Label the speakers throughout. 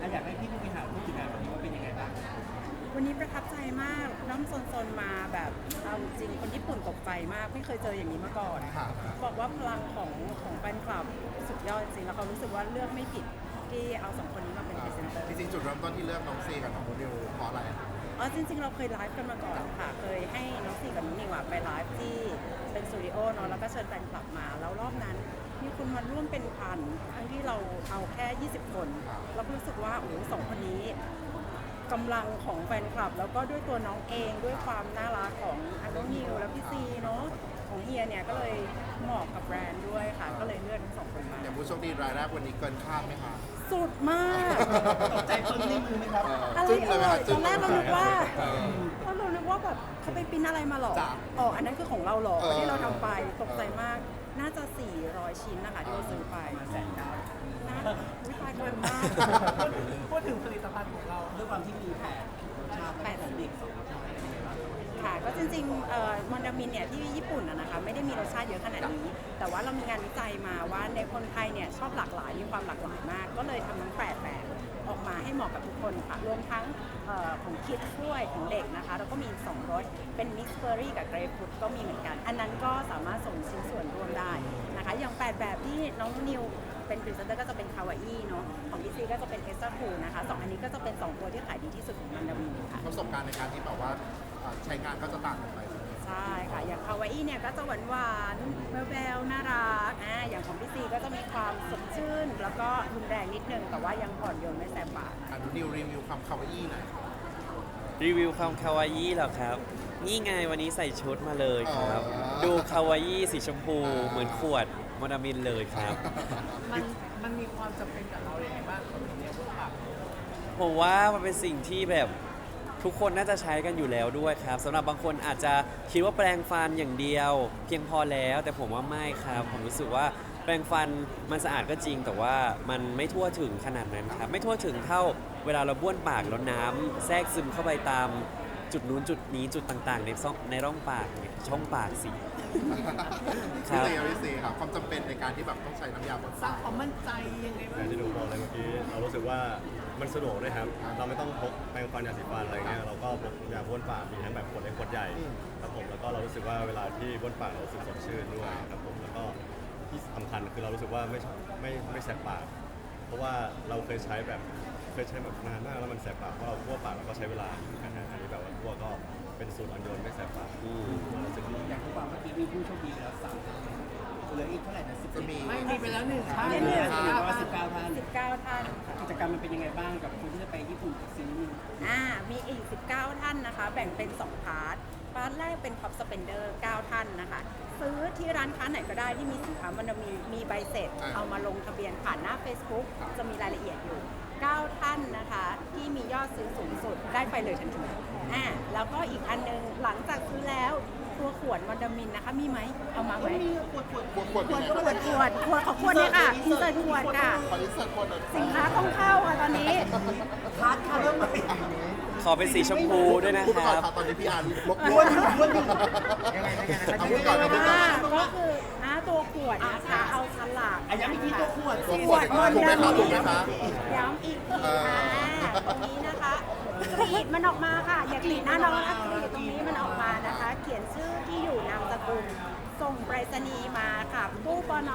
Speaker 1: อยากให้พี่ผู้บริหารพูดถึงงานวันนี้ว่าเป็นยังไงบ้าง
Speaker 2: วันนี้ประทับใจมากน้องซนๆมาแบบเอาจริงคนญี่ปุ่นตกใจมากไม่เคยเจออย่างนี้มาก่อนบอกว่าพลังของแฟนคลับสุดยอดจริงแล้วเขารู้สึกว่าเลือกไม่ผิดที่เอาสองคนนี้มาเป็นพรีเซนเตอร์
Speaker 3: จริงๆจุดเริ่มต้นที่เลือกน้องซีกับน้องโมเดลเพราะอะไร
Speaker 2: อ๋อจริงๆเราเคยไลฟ์กันมาก่อนค่ะเคยให้น้องซีกับน้องนิวไปไลฟ์ที่เป็นสตูดิโอเนาะแล้วก็เชิญแฟนคลับมาแล้วรอบนั้นมีคนมาร่วมเป็นพันทั้งที่เราเอาแค่20คนเราก็รู้สึกว่าโอ้สองคนนี้กำลังของแฟนคลับแล้วก็ด้วยตัวน้องเองด้วยความน่ารักของน้องนิวและพี่ซีเนาะของเฮียเนี่ยก็เลยเหมาะกับแบรนด์ด้วยค่ะก็เลยเลือกทั้งสองคนมา
Speaker 3: อย่างผู้โชคดีรายแรกวันนี้เกินคาดไหมคะ
Speaker 2: สุดมาก
Speaker 1: ตกใจปึ้งที่มือไหมครับ
Speaker 2: อะไร
Speaker 3: จึ้งเลยไหม
Speaker 2: เอ่
Speaker 3: คะ
Speaker 2: ย
Speaker 3: จึ้
Speaker 2: ตอง นแรกเรานึกว่าแบบเขาไปปริ้นอะไรมาหรอ
Speaker 3: จ้ะ
Speaker 2: อ๋ออันนั้นคือของเราหรอ
Speaker 3: เออ
Speaker 2: ที่เราทำไปตกใจมากน่าจะ400ชิ้นนะคะที่เราซื้อไปน่าวิตายเกินมาก
Speaker 1: พูดถึงผลิตภัณฑ์ของเราด้วยความที่มีแผนชาติของเด็กสองรสชาติเป็นยังไงบ้าง
Speaker 2: ค่ะก็จริงๆมอนดามินเนี่ยที่ญี่ปุ่นนะคะไม่ได้มีรสชาติเยอะขนาดนี้ แต่ว่าเรามีงานวิจัยมาว่าในคนไทยเนี่ยชอบหลากหลายมีความหลากหลายมาก ก็เลยทำทั้ง8แบบออกมาให้เหมาะกับทุกคนค่ะรวมทั้งของคิดด้วยของเด็กนะคะแล้วก็มี2รสเป็นมิกซ์เบอร์รี่กับเกรปฟรุตก็มีเหมือนกัน อันนั้นก็สามารถส่งชิ้นส่วนรวมได้นะคะอย่าง8แบบที่น้องนิวเป็นพรีเซนเตอร์ก็จะเป็นคาวาอี้เนาะของพี่ซีก็จะเป็นเอสเตอร์คูนะคะ2อันนี้ก็จะเป็น2ตัวที่ขายดีที่สุดของมอนดามินค่ะ
Speaker 3: ประสบการณ์ในการที่แบบว่าใช้งานก็จะต่างกันไปใช่ไหม
Speaker 2: ใช่ค่ะอย่างคาวาอี้เนี่ยก็จะหวานๆแววๆน่ารักอย่างของพี่ซีก็จะมีความสดชื่น แล้วก็รุนแรงนิดนึง แต่ว่ายังอ่อนโยนไม่แสบปาก
Speaker 3: อันนิวรีวิวความคาวาอี้หน่อย
Speaker 4: รีวิวความคาวาอี้เหรอครับ นี่ไงวันนี้ใส่ชุดมาเลยครับ ดูคาวาอี้สีชมพูเหมือนขวดมอนามินเลยครับ
Speaker 1: มันมีความจำเป็นกับเราอย่างไรบ้างคนนี้พวกปาก
Speaker 4: ผมว่ามันเป็นสิ่งที่แบบทุกคนน่าจะใช้กันอยู่แล้วด้วยครับสำหรับบางคนอาจจะคิดว่าแปรงฟันอย่างเดียว เพียงพอแล้วแต่ผมว่าไม่ครับผมรู้สึกว่าแปรงฟันมันสะอาดก็จริง แต่ว่ามันไม่ทั่วถึงขนาดนั้นครับไม่ทั่วถึงเท่าเวลาเราบ้วนปากแล้วน้ำแทรกซึมเข้าไปตามจุดนู้นจุดนี้จุดต่างๆในร่องปากเนี่ยช่องปากสิ ครั
Speaker 3: พี่
Speaker 4: บ
Speaker 3: ซีครับความจำเป็นในการที่แบบต้องใช้น้ำยาบน
Speaker 1: สร้า
Speaker 3: ปาง ก
Speaker 1: ความมั่นใจยังไงบ้าง
Speaker 5: อย่างที่หนูบอกเลยเมื่อกี้เรารู้สึกว่ามันสะดวกด้วยครับ เราไม่ต้องพกแปรงฟันยาสีฟันอะไรเงี้ยเราก็พกยาบ้วนปากมีทั้งแบบขวดเล็กขวดใหญ่ครับผมแล้วก็เรารู้สึกว่าเวลาที่บ้วนปากเรารู้สึกสดชื่นด้วยครับผมแล้วก็ที่สำคัญคือเรารู้สึกว่าไม่แสบปาก เพราะว่าเราเคยใช้แบบนานมากแล้วมันแสบปากเพราะเราทั่วปากเราก็ใช้เวลาอันนี้แบบว่าทั่วก็เป็นสูตรอ่อนโยนไม่แสบปากรู้สึกดี
Speaker 1: อย่างที่บอกเมื่อกี้มีผู้โชคดีไปแล้ว3ท่านเหลืออีกเท่าไหร่นะ10
Speaker 3: จะมี
Speaker 1: ไม่มีไปแล้ว1ท่าน
Speaker 2: เหลือ
Speaker 1: เหลือ
Speaker 2: 19
Speaker 1: 19ท่าน
Speaker 2: 19 ท่านค่ะ
Speaker 1: กิจกรรมมันเป็นยังไงบ้างกับคนที่จะไปญี่ปุ่นกับซีรีส์
Speaker 2: มีอีก 19 ท่านนะคะ แบ่งเป็น 2 พาร์ท พาร์ทแรกเป็น Top Spender 9 ท่านนะคะ ซื้อที่ร้านค้าไหนก็ได้ที่มีสินค้ามันมีใบเสร็จ เอามาลงทะเบียนผ่านหน้า Facebook จะมีรายละเอียดอยู่ 9 ท่านนะคะ ที่มียอดซื้อสูงสุดได้ไปเลยทันทีแล้วก็อีกอันนึงหลังจากซื้อแล้วตัวขวดมอนดามินนะคะ มีไหม เอามาไหม
Speaker 1: มีขวด
Speaker 3: ขวดขวด
Speaker 2: ขวดของขวดเนี่ยค่ะอินเสิร์ตขวดค่ะ
Speaker 3: ขออินเสิร์ตขวดหน่อย
Speaker 2: สินค้าต้องเข้าค่ะตอนนี้
Speaker 1: พาร์ทค่ะเริ่มใหม่
Speaker 4: ขอเป็นสีชมพูด้วยนะ
Speaker 3: พูด
Speaker 4: ค
Speaker 3: ไปก่อ
Speaker 4: รั
Speaker 3: น
Speaker 4: บ
Speaker 3: ครับตอนนี้พี่อาร์ลบ
Speaker 1: อ้วนยังไง
Speaker 3: เอาพูดก่อนเอาพูดก่อน
Speaker 2: ก็คือตัวขวดนะคะเอาฉลาก
Speaker 1: ย้ำอีกทีตัวขวด
Speaker 3: ตัว
Speaker 2: ขวดมอนดามิ
Speaker 3: ถูกไหมคะ
Speaker 2: ย้ำอีกทีตรงนี้นะคะกรีดมันออกมาค่ะ อย่ากรีดหน้าน้องนะกรีดตรงนี้มันออกมานะคะ เขียนชื่อที่อยู่นามสกุลส่งไปรษณีย์มาค่ะตู้ปน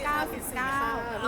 Speaker 2: 299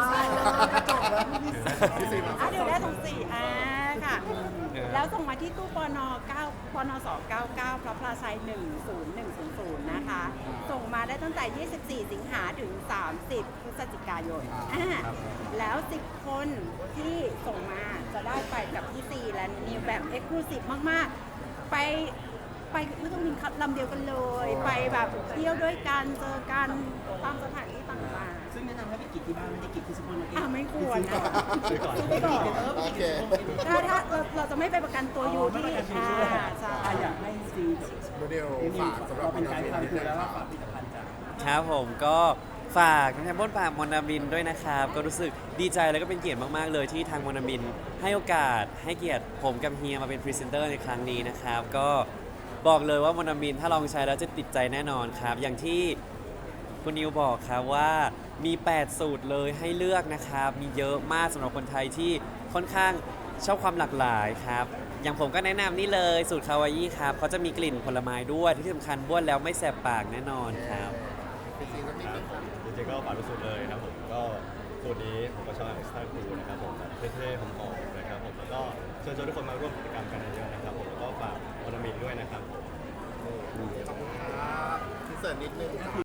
Speaker 2: เดี๋ยวได้ตรง4ค่ะ แล้วส่งมาที่ตู้ปน9ปน299พระพลาชัย10100นะคะ ส่งมาได้ตั้งแต่ 24 สิงหาถึง 30 พฤศจิกายนแล้ว 10 คนที่ส่งมาจะได้ไปกับพี่ซีและนิวแบบเอ็กซ์คลูซีฟมาก ๆ ไปไม่ต้องบินขับลำเดียวกันเลย ไปแบบเที่ยวด้วยกันเจอกันตามสถานที่ต่างๆ
Speaker 1: ซึ่งแนะนำให้ไปกินที่บ้านไม่ได้กินที่ซุปเปอร์มาร์เก็ต
Speaker 2: ไม่ควร
Speaker 5: ซื้อก่อน
Speaker 2: ซื้อก่อน
Speaker 3: โอเค
Speaker 2: ถ้าเราจะไม่ไปประกันตัวอยู่ที่ใช่
Speaker 1: อยากให้ซี
Speaker 3: โมเดลฝากสำหรับ
Speaker 1: เป็น
Speaker 3: มอน
Speaker 1: ไก
Speaker 3: ดา
Speaker 1: ด์
Speaker 3: มิน
Speaker 1: ทำ
Speaker 3: นิด
Speaker 1: คื
Speaker 3: นึ
Speaker 1: อง แล้ว
Speaker 3: ค
Speaker 1: ว่า
Speaker 3: รับ
Speaker 1: ฝากผลิตภัณฑ์จาก
Speaker 4: ครับผมก็ฝากน้ำยาบ้วนปากมอนามินด้วยนะครับก็รู้สึกดีใจแล้วก็เป็นเกียรติมากๆเลยที่ทางมอนามินให้โอกาสให้เกียรติผมกับเฮียมาเป็นพรีเซนเตอร์ในครั้งนี้นะครับก็บอกเลยว่ามอนามินถ้าลองใช้แล้วจะติดใจแน่นอนครับอย่างที่คุณนิวบอกครับว่ามี8สูตรเลยให้เลือกนะครับมีเยอะมากสำหรับคนไทยที่ค่อนข้างชอบความหลากหลายครับ อย่างผมก็แนะนำนี่เลยสูตรคาวาอี้ครับเขาจะมีกลิ่นผลไม้ด้วยที่สำคัญบ้วนแล้วไม่แสบปากแน่นอนครับ
Speaker 3: จริงๆก็มี
Speaker 5: ครับผมจริงๆก็ฝากทุกสูตรเลยครับผมก็สูตรนี้ผมก็ชอบเอ็กซ์ตร้าคูลนะครับผมแบบเท่ๆหอมๆนะครับผมแล้วก็เชิญชวนทุกคนมาร่วมกิจกรรมกันเยอะๆนะครับผมแล้วก็ฝากวานามินด้วยนะครับผม
Speaker 3: ขอบคุณครับที่เสิร์ฟนิดนึง